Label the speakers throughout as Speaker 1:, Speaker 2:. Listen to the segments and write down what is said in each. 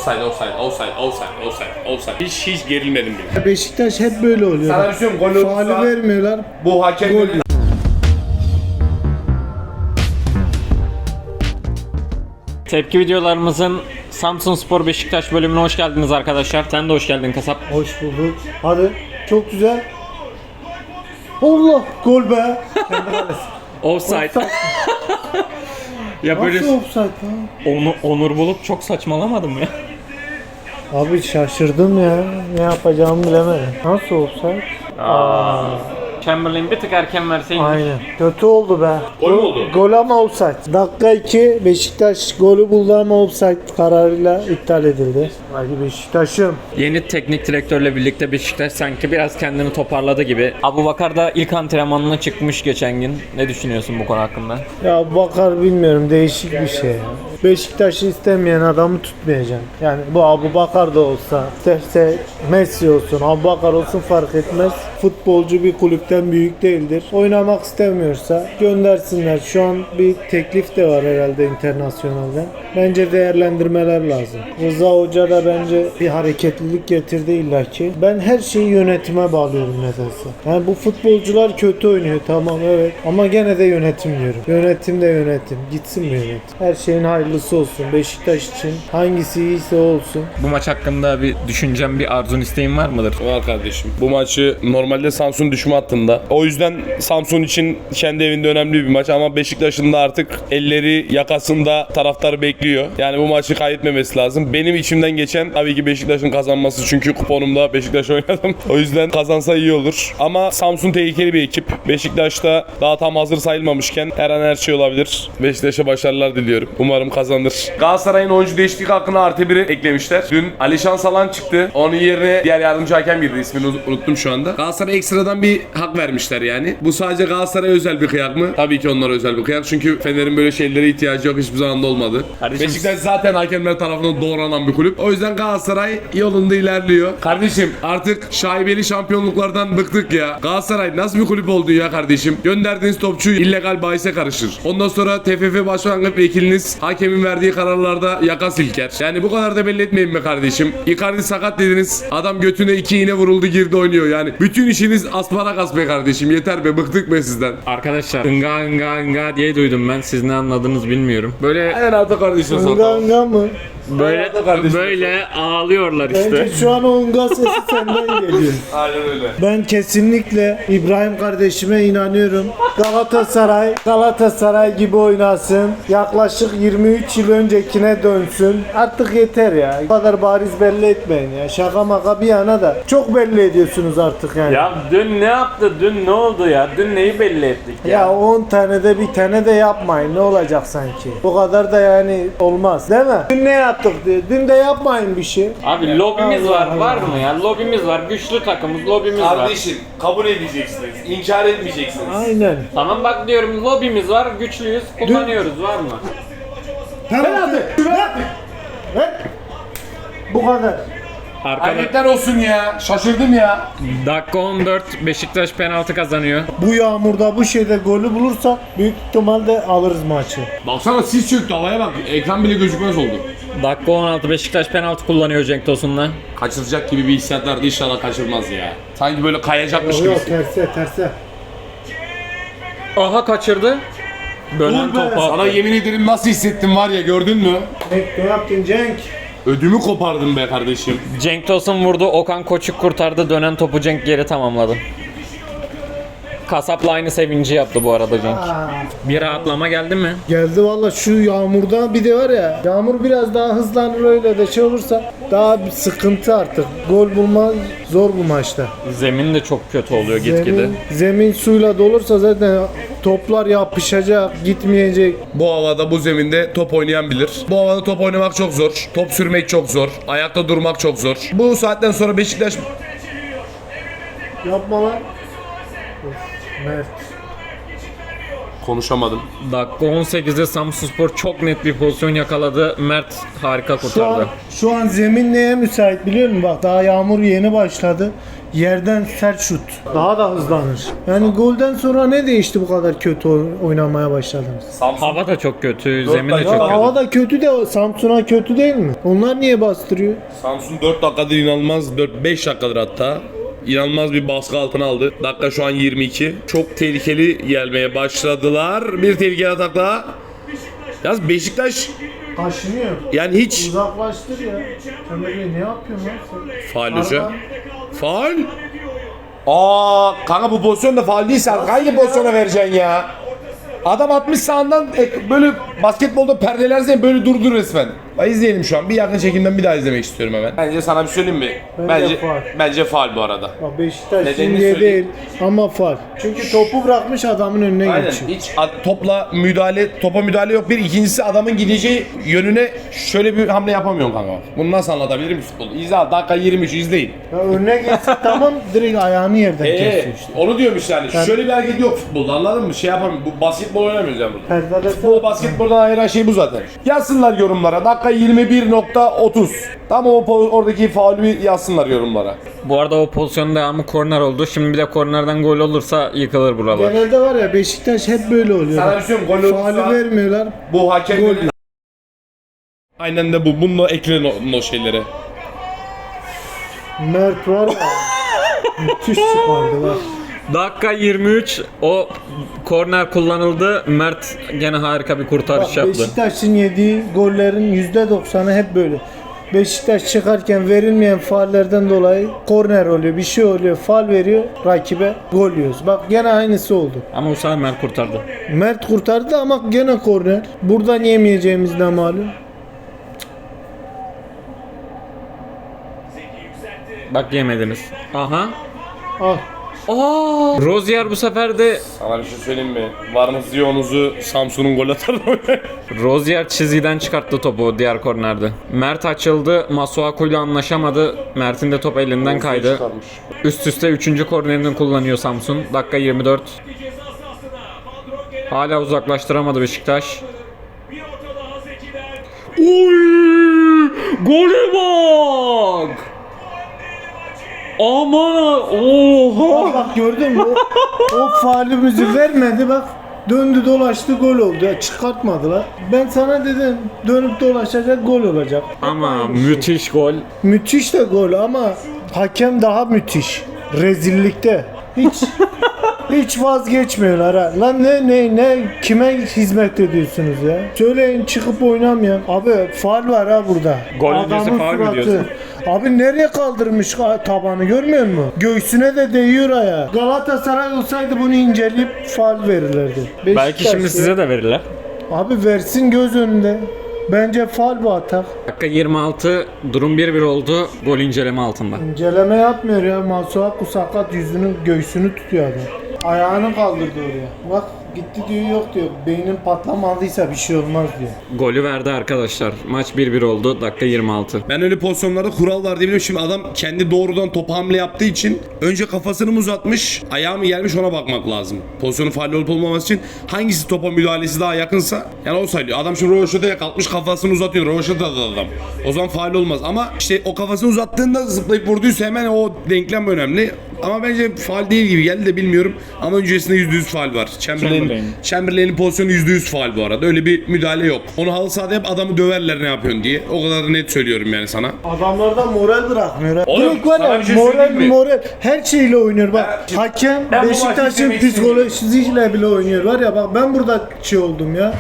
Speaker 1: Offside. Hiç gerilmedim bile.
Speaker 2: Beşiktaş hep böyle oluyor.
Speaker 1: Sana bir şey söyleyeyim, gol olursa
Speaker 2: faali vermiyorlar.
Speaker 1: bu hakem
Speaker 2: Gol.
Speaker 3: Tepki videolarımızın Samsunspor Beşiktaş bölümüne hoş geldiniz arkadaşlar. Sen de hoş geldin kasap.
Speaker 2: Hoş bulduk. Hadi. Çok güzel. Allah, gol be.
Speaker 3: Offside. Ya böyle
Speaker 2: Nasıl offside lan?
Speaker 3: Onur Bulut çok saçmalamadım ya.
Speaker 2: Abi şaşırdım ya. Ne yapacağımı bilemedim. Nasıl offside?
Speaker 3: Chamberlain bir tık erken verseymiş.
Speaker 2: Aynen. Kötü oldu be.
Speaker 1: Gol mü oldu?
Speaker 2: Gol ama offside. Dakika 2 Beşiktaş golü buldu ama offside kararıyla iptal edildi. Hadi Beşiktaş'ım.
Speaker 3: Yeni teknik direktörle birlikte Beşiktaş sanki biraz kendini toparladı gibi. Abubakar da ilk antrenmanına çıkmış geçen gün. Ne düşünüyorsun bu konu hakkında?
Speaker 2: Ya Bakar bilmiyorum, değişik bir şey ya. Beşiktaş'ı istemeyen adamı tutmayacaksın. Yani bu Abubakar da olsa, isterse Messi olsun, Abubakar olsun fark etmez. Futbolcu bir kulüpten büyük değildir. Oynamak istemiyorsa göndersinler. Şu an bir teklif de var herhalde internasyonelden. Bence değerlendirmeler lazım. Rıza Hoca da bence bir hareketlilik getirdi illaki. Ben her şeyi yönetime bağlıyorum nedense. Yani bu futbolcular kötü oynuyor, tamam, evet, ama gene de yönetim diyorum. Yönetim de yönetim. Gitsin mi yönetim? Her şeyin hayırlısı olsun. Beşiktaş için hangisi iyiyse olsun.
Speaker 3: Bu maç hakkında bir düşüncem, bir arzun, isteğin var mıdır?
Speaker 1: Var kardeşim. Bu maçı normalde Samsun düşme hattında. O yüzden Samsun için kendi evinde önemli bir maç ama Beşiktaş'ın da artık elleri yakasında taraftar bekliyor. Yani bu maçı kaybetmemesi lazım. Benim içimden geçen tabii ki Beşiktaş'ın kazanması, çünkü kuponumda Beşiktaş oynadım. O yüzden kazansa iyi olur. Ama Samsun tehlikeli bir ekip. Beşiktaş'ta daha tam hazır sayılmamışken her an her şey olabilir. Beşiktaş'a başarılar diliyorum. Umarım kazanır. Galatasaray'ın oyuncu değişiklik hakkına +1'i eklemişler. Dün Alişan Salan çıktı. Onun yerine diğer yardımcı hakem girdi. İsmini unuttum şu anda. Galatasaray ekstradan bir hak vermişler yani. Bu sadece Galatasaray'a özel bir kıyak mı? Tabii ki onlara özel bir kıyak. Çünkü Fener'in böyle şeylere ihtiyacı yok. Hiçbir zaman da olmadı.
Speaker 3: Kardeşim,
Speaker 1: Beşiktaş zaten hakemler tarafından doğranan bir kulüp. O yüzden Galatasaray yolunda ilerliyor. Kardeşim artık şaibeli şampiyonluklardan bıktık ya. Galatasaray nasıl bir kulüp oldu ya kardeşim? Gönderdiğiniz topçu illegal bahise karışır. Ondan sonra TFF Başkanlık Vekiliniz hakemin verdiği kararlarda yaka silker. Yani bu kadar da belli etmeyin be kardeşim. Icardi sakat dediniz. Adam götüne 2 iğne vuruldu, girdi oynuyor. Yani bütün işiniz asparagas be kardeşim. Yeter be, bıktık be sizden.
Speaker 3: arkadaşlar ınga diye duydum ben. Siz ne anladınız bilmiyorum. Böyle
Speaker 1: En altı kardeşim
Speaker 2: Unga
Speaker 1: sana.
Speaker 2: unga mı?
Speaker 3: böyle ağlıyorlar işte.
Speaker 2: Bence şu an o unga sesi senden geliyor.
Speaker 1: Aynen öyle.
Speaker 2: Ben kesinlikle İbrahim kardeşime inanıyorum. Galatasaray gibi oynasın. Yaklaşık 23 yıl öncekine dönsün. Artık yeter ya. Bu kadar bariz belli etmeyin ya. Şaka maka bir yana da çok belli ediyorsunuz artık yani.
Speaker 3: Ya dün ne yaptı? Dün ne oldu ya? Dün neyi belli ettik
Speaker 2: Ya 10 tane de bir tane de yapmayın. Ne olacak sanki? Bu kadar da yani olmaz, değil mi? Dün ne yaptık diye. Dün de yapmayın bir şey.
Speaker 3: Abi lobimiz var.
Speaker 2: Allah
Speaker 3: Var
Speaker 2: Allah.
Speaker 3: mı ya? Lobimiz var. Güçlü takımız. Lobimiz var.
Speaker 1: Kardeşim kabul edeceksiniz. İnkar etmeyeceksiniz.
Speaker 2: Aynen.
Speaker 3: Tamam bak diyorum, lobimiz var. Güçlüyüz. Kullanıyoruz. Var mı?
Speaker 2: Penaltı. Bu kadar.
Speaker 3: Arkada
Speaker 1: Ayetler olsun ya. Şaşırdım ya.
Speaker 3: dakika 14 Beşiktaş penaltı kazanıyor.
Speaker 2: Bu yağmurda bu şeyde golü bulursa büyük ihtimalle alırız maçı.
Speaker 1: Baksana sis çöktü, havaya bak. Ekran bile gözükmez oldu.
Speaker 3: Dakika 16 Beşiktaş penaltı kullanıyor Cenk Tosun'la.
Speaker 1: Kaçıracak gibi bir hissiyat vardı. İnşallah kaçırmaz ya. Sanki böyle kayacakmış gibi.
Speaker 2: Yok, terse.
Speaker 3: Aha kaçırdı. Dönen
Speaker 2: Vur be.
Speaker 3: topu
Speaker 1: Sana
Speaker 3: attı.
Speaker 1: yemin ederim nasıl hissettim var ya, gördün mü?
Speaker 2: Ne yaptın Cenk?
Speaker 1: Ödümü kopardım be kardeşim.
Speaker 3: Cenk Tosun vurdu. Okan Koçuk kurtardı. Dönen topu Cenk geri tamamladı. Kasapla aynı sevinci yaptı bu arada Cenk. Bir rahatlama geldi mi?
Speaker 2: Geldi valla, şu yağmurda bir de var ya, yağmur biraz daha hızlanır, öyle de şey olursa daha bir sıkıntı artık. Gol bulma zor bu maçta.
Speaker 3: Zemin de çok kötü oluyor gitgide.
Speaker 2: Zemin suyla dolursa zaten toplar yapışacak, gitmeyecek.
Speaker 1: Bu havada, bu zeminde top oynayan bilir. Bu havada top oynamak çok zor. Top sürmek çok zor. Ayakta durmak çok zor. Bu saatten sonra Beşiktaş...
Speaker 2: Yapma lan. Of, Mert.
Speaker 1: Konuşamadım.
Speaker 3: Dakika 18'de Samsunspor çok net bir pozisyon yakaladı. Mert harika kurtardı.
Speaker 2: Şu an zemin neye müsait biliyor musun? Bak daha yağmur yeni başladı. Yerden sert şut. Daha da hızlanır. Yani golden sonra ne değişti bu kadar kötü oynamaya başladınız?
Speaker 3: Hava da çok kötü, zemin de
Speaker 1: dakika.
Speaker 3: çok
Speaker 2: Ya
Speaker 3: kötü.
Speaker 2: hava da kötü de Samsun'a kötü değil mi? Onlar niye bastırıyor?
Speaker 1: Samsun 4 dakikadır inanılmaz, 4-5 dakikadır hatta inanılmaz bir baskı altına aldı. Dakika şu an 22. Çok tehlikeli gelmeye başladılar. Bir tehlikeli atak daha. Yalnız Beşiktaş
Speaker 2: Kaşınıyor.
Speaker 1: yani hiç
Speaker 2: Uzaklaştır ya. Ömer Bey ne yapıyorsun lan sen?
Speaker 1: faul hoca.
Speaker 2: Arka-
Speaker 1: Faul. Kanka bu pozisyon da faul değilse hangi pozisyona vereceksin ya? Adam 60 sağından böyle basketbolda perdeler böyle durdu resmen. İzleyelim şu an. Bir yakın çekimden bir daha izlemek istiyorum hemen. Bence sana bir söyleyeyim mi?
Speaker 2: Bence faul.
Speaker 1: Bence faul bu arada.
Speaker 2: Bak Beşiktaş
Speaker 1: Nedenini
Speaker 2: şimdiye
Speaker 1: söyleyeyim.
Speaker 2: değil ama faul. Çünkü topu bırakmış adamın önüne
Speaker 1: Aynen.
Speaker 2: geçiyor.
Speaker 1: Hiç topa müdahale yok. Bir ikincisi adamın gideceği yönüne şöyle bir hamle yapamıyorsun kanka. Bunu nasıl anlatabilirim futbolu? İzle dakika 23 izleyin.
Speaker 2: Ya önüne geçse tamam direkt ayağını yerden kesiyor işte.
Speaker 1: Onu diyormuş yani. Şöyle bir hareket yok futbolda, anladın mı? Şey yapamıyorum. Bu basketbol oynamıyoruz yani burada.
Speaker 2: Perdede
Speaker 1: Futbol basketboldan ayıran şey bu zaten. Yazsınlar yorumlara. Dakika 21.30. Tam oradaki faulü yazsınlar yorumlara.
Speaker 3: Bu arada o pozisyonun devamı korner oldu. Şimdi bir de kornerden gol olursa yıkılır buralar.
Speaker 2: genelde var ya Beşiktaş hep böyle oluyor.
Speaker 1: Sana bir şey söyleyeyim, gol olursa-
Speaker 2: Faulü vermiyorlar.
Speaker 1: Bu hakem
Speaker 2: Gol.
Speaker 1: Aynen de bu. Bununla ekleyin o şeylere.
Speaker 2: Mert var ya. Müthiş çıkardı bak.
Speaker 3: Dakika 23 o korner kullanıldı. Mert gene harika bir kurtarış
Speaker 2: Bak,
Speaker 3: yaptı.
Speaker 2: Beşiktaş'ın yediği gollerin %90'ı hep böyle. Beşiktaş çıkarken verilmeyen faullerden dolayı korner oluyor, bir şey oluyor, faul veriyor rakibe, gol yiyoruz. Bak gene aynısı oldu.
Speaker 3: Ama bu sefer Mert kurtardı.
Speaker 2: Mert kurtardı ama gene korner. Buradan yemeyeceğimiz de malum.
Speaker 3: Bak yemediniz. Aha.
Speaker 2: Al.
Speaker 3: Aa! Rozier bu sefer de
Speaker 1: Sana bir şey söyleyeyim mi? Varınızı yoğunuzu Samsun'un gol atarı.
Speaker 3: Rozier çizgiden çıkarttı topu diğer kornerde. Mert açıldı. Masuaku ile anlaşamadı. Mert'in de top elinden kaydı. Üst üste 3. kornerini kullanıyor Samsun. Dakika 24. Hala uzaklaştıramadı Beşiktaş. Oy! Gole bak! Aman! Oha!
Speaker 2: Bak gördün mü? O faulümüzü vermedi bak. Döndü dolaştı gol oldu. Ya, çıkartmadılar. Ben sana dedim dönüp dolaşacak gol olacak.
Speaker 3: Ama müthiş gol.
Speaker 2: Müthiş de gol ama hakem daha müthiş. Rezillikte. Hiç vazgeçmiyorlar ha. Lan ne kime hizmet ediyorsunuz ya? Söyleyin çıkıp oynamayan. Abi faul var ha burada.
Speaker 3: Gol öncesi
Speaker 2: Adamın
Speaker 3: faul mü
Speaker 2: suratı.
Speaker 3: diyorsun?
Speaker 2: Abi nereye kaldırmış tabanı görmüyor musun? Göğsüne de değiyor ayağı. Galatasaray olsaydı bunu inceleyip faul verirlerdi.
Speaker 3: Belki
Speaker 2: Beşiktaş
Speaker 3: şimdi
Speaker 2: ya.
Speaker 3: size de verirler.
Speaker 2: Abi versin göz önünde. Bence faul bu atak.
Speaker 3: Dakika 26, durum 1-1 oldu. Gol inceleme altında.
Speaker 2: İnceleme yapmıyor ya. Masuaku sakat göğsünü tutuyor adam. Ayağını kaldırdı oraya. Bak gitti diyor yok diyor. Beynin patlamadıysa bir şey olmaz diyor.
Speaker 3: Golü verdi arkadaşlar. Maç 1-1 oldu. Dakika 26.
Speaker 1: Ben öyle pozisyonlarda kural var diye biliyorum. Şimdi adam kendi doğrudan topa hamle yaptığı için önce kafasını mı uzatmış, ayağı mı gelmiş ona bakmak lazım. Pozisyonun faal olup olmaması için hangisi topa müdahalesi daha yakınsa yani o sayılıyor. Adam şimdi Rovaşata'ya kalkmış kafasını uzatıyor. Rovaşata'da adam. O zaman faal olmaz ama işte o kafasını uzattığında zıplayıp vurduysa hemen o denklem önemli. Ama bence faal değil gibi geldi de bilmiyorum. Ama öncesinde %100 faal var. Chamberlain'in pozisyonu %100 faal bu arada. Öyle bir müdahale yok. Onu halı sahada hep adamı döverler ne yapıyorsun diye. O kadar da net söylüyorum yani sana.
Speaker 2: Adamlardan moral bırakmıyor.
Speaker 1: Oğlum,
Speaker 2: Direkt var
Speaker 1: sana
Speaker 2: ya
Speaker 1: bir şey söyleyeyim mi?
Speaker 2: moral her şeyle oynuyor bak. Hakem
Speaker 1: ben bu maçı
Speaker 2: Beşiktaş'ın
Speaker 1: izlemek
Speaker 2: psikolojisiyle bile oynuyor var ya bak ben burada şey oldum ya.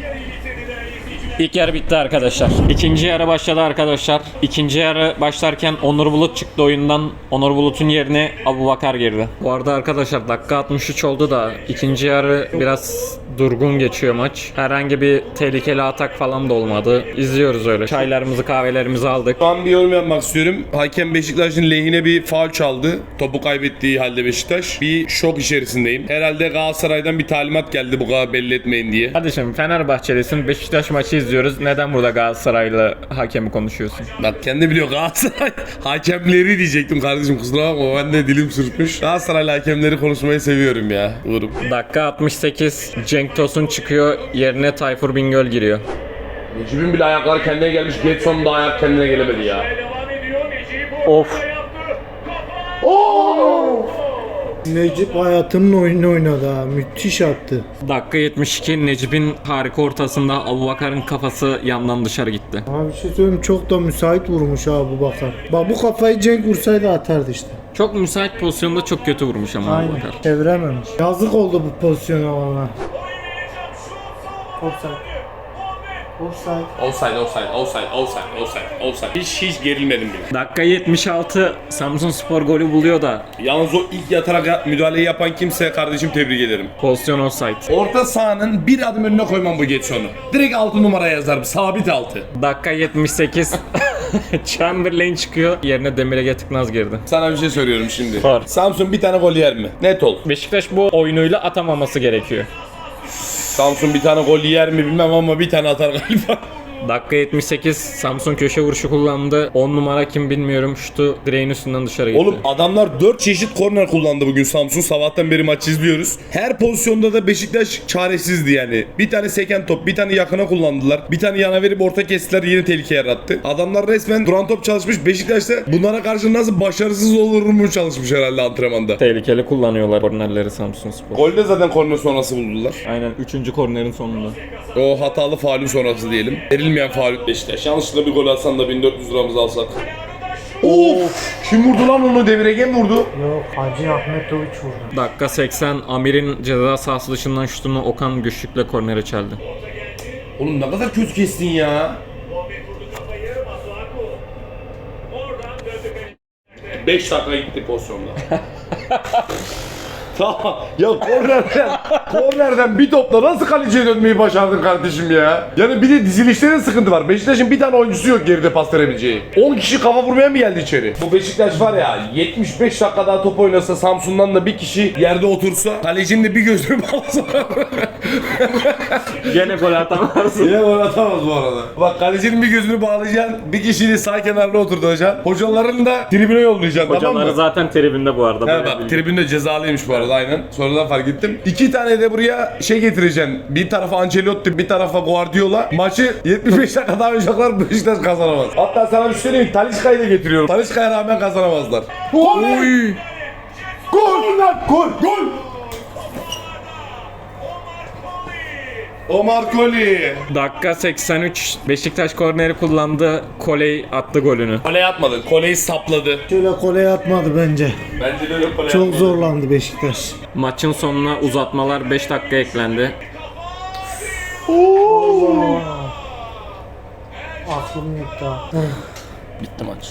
Speaker 3: İlk yarı bitti arkadaşlar. İkinci yarı başladı arkadaşlar. İkinci yarı başlarken Onur Bulut çıktı oyundan. Onur Bulut'un yerine Abubakar girdi. Bu arada arkadaşlar dakika 63 oldu da ikinci yarı biraz durgun geçiyor maç. Herhangi bir tehlikeli atak falan da olmadı. İzliyoruz öyle. Çaylarımızı kahvelerimizi aldık.
Speaker 1: Şu an bir yorum yapmak istiyorum. Hakem Beşiktaş'ın lehine bir faul çaldı. Topu kaybettiği halde Beşiktaş. Bir şok içerisindeyim. Herhalde Galatasaray'dan bir talimat geldi bu kadar belli etmeyin diye.
Speaker 3: Hadi şimdi Fenerbahçelisin. Beşiktaş maçı izliyoruz. Neden burada Galatasaraylı hakemi konuşuyorsun?
Speaker 1: Bak kendi biliyor Galatasaray hakemleri diyecektim kardeşim, kusura bakma ben de dilim sürtmüş. Galatasaraylı hakemleri konuşmayı seviyorum ya. Uğurum.
Speaker 3: Dakika 68. Cenk Tosun çıkıyor. Yerine Tayfur Bingöl giriyor.
Speaker 1: Necip'in bile ayakları kendine gelmiş. Getson'un da ayak kendine gelemedi ya.
Speaker 3: Of.
Speaker 2: Necip hayatının oyunu oynadı ha. Müthiş attı.
Speaker 3: Dakika 72. Necip'in harika ortasında Abubakar'ın kafası yandan dışarı gitti.
Speaker 2: Abi bir şey söyleyeyim, çok da müsait vurmuş ha bu Bakar. Bak bu kafayı Cenk vursaydı atardı işte.
Speaker 3: Çok müsait pozisyonda çok kötü vurmuş ama
Speaker 2: Aynen.
Speaker 3: Abubakar.
Speaker 2: Çevirememiş. Yazık oldu bu pozisyona valla. Offside.
Speaker 1: Offside. Hiç gerilmedim bile.
Speaker 3: Dakika 76. Samsunspor golü buluyor da
Speaker 1: Yalnız o ilk yatarak müdahaleyi yapan kimse kardeşim tebrik ederim.
Speaker 3: pozisyon offside.
Speaker 1: Orta sahanın bir adım önüne koymam bu Getson'u. Direkt 6 numara yazarım. Sabit 6.
Speaker 3: Dakika 78. Chamberlain çıkıyor. Yerine Demir Ege Tıknaz girdi.
Speaker 1: Sana bir şey söylüyorum şimdi.
Speaker 3: Sor.
Speaker 1: Samsun bir tane gol yer mi? Net ol.
Speaker 3: Beşiktaş bu oyunuyla atamaması gerekiyor.
Speaker 1: Samsun bir tane gol yer mi bilmem ama bir tane atar galiba.
Speaker 3: Dakika 78. Samsun köşe vuruşu kullandı. 10 numara kim bilmiyorum. Şutu direğin üstünden dışarı gitti.
Speaker 1: Oğlum adamlar 4 çeşit korner kullandı bugün Samsun. Sabahtan beri maç izliyoruz. Her pozisyonda da Beşiktaş çaresizdi yani. Bir tane seken top, bir tane yakına kullandılar. Bir tane yana verip orta kestiler, yeni tehlike yarattı. Adamlar resmen duran top çalışmış. Beşiktaş da bunlara karşı nasıl başarısız olur mu çalışmış herhalde antrenmanda.
Speaker 3: Tehlikeli kullanıyorlar kornerleri Samsunspor.
Speaker 1: Golde zaten korner sonrası buldular.
Speaker 3: Aynen 3. kornerin sonunda.
Speaker 1: O hatalı faulün sonrası diyelim. Verilmeyen faul Beşiktaş. Yanlışlıkla bir gol atsan da 1400 liramızı alsak. Of! Kim vurdu lan onu? Demir Ege mi vurdu?
Speaker 2: Yok, Hacı Ahmetoviç vurdu.
Speaker 3: Dakika 80. Amir'in ceza sahası dışından şutunu Okan güçlükle kornere çeldi.
Speaker 1: Oğlum ne kadar kötü kestin ya. 5 dakika gitti pozisyonda. Tamam. Ya kornerden bir topla nasıl kaleciye dönmeyi başardın kardeşim ya? Yani bir de dizilişlerin sıkıntı var. Beşiktaş'ın bir tane oyuncusu yok geride pas verebileceği. 10 kişi kafa vurmaya mı geldi içeri? Bu Beşiktaş var ya 75 dakika daha top oynasa Samsun'dan da bir kişi yerde otursa kalecinin de bir gözünü bağlasa.
Speaker 3: Gene gol atamazsın.
Speaker 1: Yine gol atamaz bu arada. Bak kalecinin bir gözünü bağlayacaksın, bir kişiyi sağ kenarına oturacaksın. Hocaların da tribüne yollayacaksın, tamam
Speaker 3: Hocaları
Speaker 1: mı?
Speaker 3: zaten tribünde bu arada.
Speaker 1: He
Speaker 3: Böyle
Speaker 1: bak
Speaker 3: bilgi.
Speaker 1: tribünde cezalıymış bu arada aynen. Sonradan fark ettim. 2 tane de buraya şey getireceksin. Bir tarafa Ancelotti, bir tarafa Guardiola. Maçı 75 dakika daha oynayacaklar, Beşiktaş kazanamaz. Hatta sana bir şey söyleyeyim, Talisca'yı da getiriyorum. Talisca'ya rağmen kazanamazlar. Gol!
Speaker 3: Oy!
Speaker 1: Gol lan! Gol! Gol! Omar Koli.
Speaker 3: Dakika 83. Beşiktaş korneri kullandı. Koley attı golünü.
Speaker 1: Koley atmadı. Koley sapladı.
Speaker 2: Şöyle koleye atmadı bence.
Speaker 1: Bence de öyle koley
Speaker 2: Çok
Speaker 1: atmadı.
Speaker 2: zorlandı Beşiktaş.
Speaker 3: Maçın sonuna uzatmalar 5 dakika eklendi.
Speaker 2: Aklım gitti ha.
Speaker 1: Bitti maç.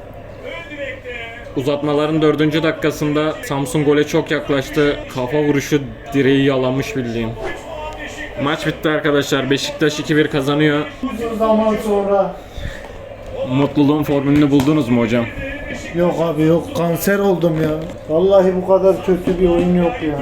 Speaker 3: Uzatmaların 4. dakikasında Samsun gole çok yaklaştı. Kafa vuruşu direği yalamış bildiğin. Maç bitti arkadaşlar. Beşiktaş 2-1 kazanıyor.
Speaker 2: Uzun zaman sonra.
Speaker 3: Mutluluğun formülünü buldunuz mu hocam?
Speaker 2: Yok abi yok, kanser oldum ya. Vallahi bu kadar kötü bir oyun yok ya.